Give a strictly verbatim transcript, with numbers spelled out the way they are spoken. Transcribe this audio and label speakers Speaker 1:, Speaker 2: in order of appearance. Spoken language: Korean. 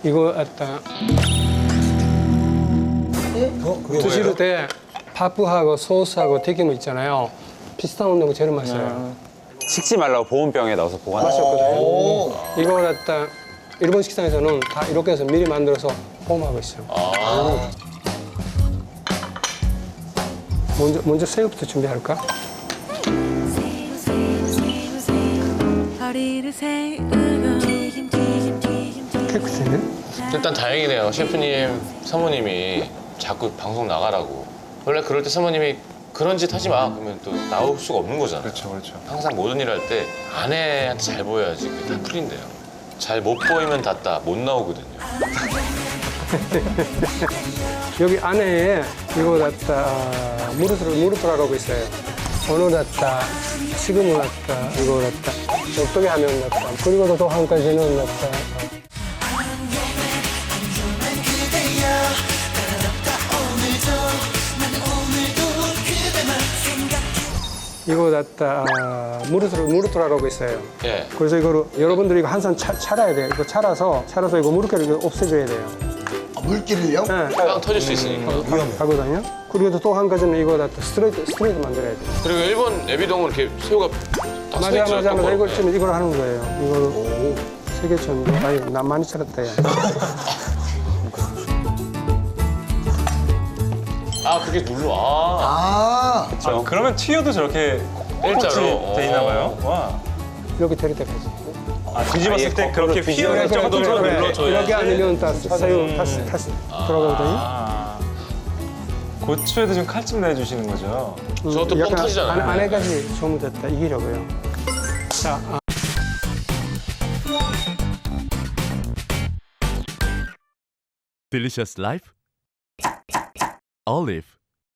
Speaker 1: 이거 갖다
Speaker 2: 어? 그게
Speaker 1: 드실
Speaker 2: 뭐예요?
Speaker 1: 때 파프하고 소스하고 튀김 있잖아요. 비슷한 온도가 제일 맛있어요.
Speaker 3: 식지 말라고 보온병에 넣어서 보관.
Speaker 1: 맛있거든요. 이거 갖다 일본 식당에서는 다 이렇게 해서 미리 만들어서 포함하고 있어요. 먼저 먼저 새우부터 준비할까?
Speaker 4: 허리를 세우고
Speaker 1: 깨끗이네.
Speaker 5: 일단 다행이네요. 셰프님, 사모님이 자꾸 방송 나가라고. 원래 그럴 때 사모님이 그런 짓 하지 마. 그러면 또 나올 수가 없는 거잖아요.
Speaker 2: 그렇죠, 그렇죠.
Speaker 5: 항상 모든 일 할 때 아내한테 잘 보여야지 그게 다 풀린대요. 잘 못 보이면 닿다 못 나오거든요.
Speaker 1: 여기 안에 이거 갖다 무르트를 무르트라고 있어요. 오늘 갖다 지금은 갖다 이거 갖다 어떻게 하면 갖다 그리고 또 한 가지는 갖다 이거 갖다 무르트를 무르트라고 있어요.
Speaker 5: 예.
Speaker 1: 그래서 이거를 여러분들이 이거 항상 차, 차라야 돼요. 이거 차라서 차라서 이거 무르트를 이거 없애줘야 돼요.
Speaker 6: 아, 물기를요?
Speaker 1: 네.
Speaker 5: 빵 터질 수 있으니까.
Speaker 1: 하거든요. 그리고 또 한 가지는 이거 갖다 스트레이트 스트레이트 만들어야 돼요.
Speaker 5: 그리고 일본 애비동은 이렇게 새우가 딱
Speaker 1: 맞아
Speaker 5: 서있죠.
Speaker 1: 맞아 맞아
Speaker 5: 똑바로.
Speaker 1: 이걸 지금 이걸 하는 거예요. 이거를 세 개 정도. 아니 나 많이 차렸다 야.
Speaker 5: 아 그게 눌러. 아,
Speaker 6: 아,
Speaker 2: 아, 그러면 튀어도 저렇게
Speaker 5: 일자로.
Speaker 2: 돼 있나 봐요? 와.
Speaker 1: 이렇게 때릴 때까지.
Speaker 2: 아, 뒤집었을 때 그렇게 휘어질
Speaker 1: 그래,
Speaker 2: 정도로
Speaker 1: 그래, 그래.
Speaker 2: 눌러줘야지.
Speaker 1: 이렇게 아니면 다 새우 다시 다시 돌아가거든요.
Speaker 2: 아. 고추에도 좀 칼집 내주시는 거죠?
Speaker 5: 저것도 뻥
Speaker 1: 약간
Speaker 5: 터지잖아요.
Speaker 1: 안, 안에까지 좀 됐다 이기려고요. 자. 아.
Speaker 7: Delicious Life Olive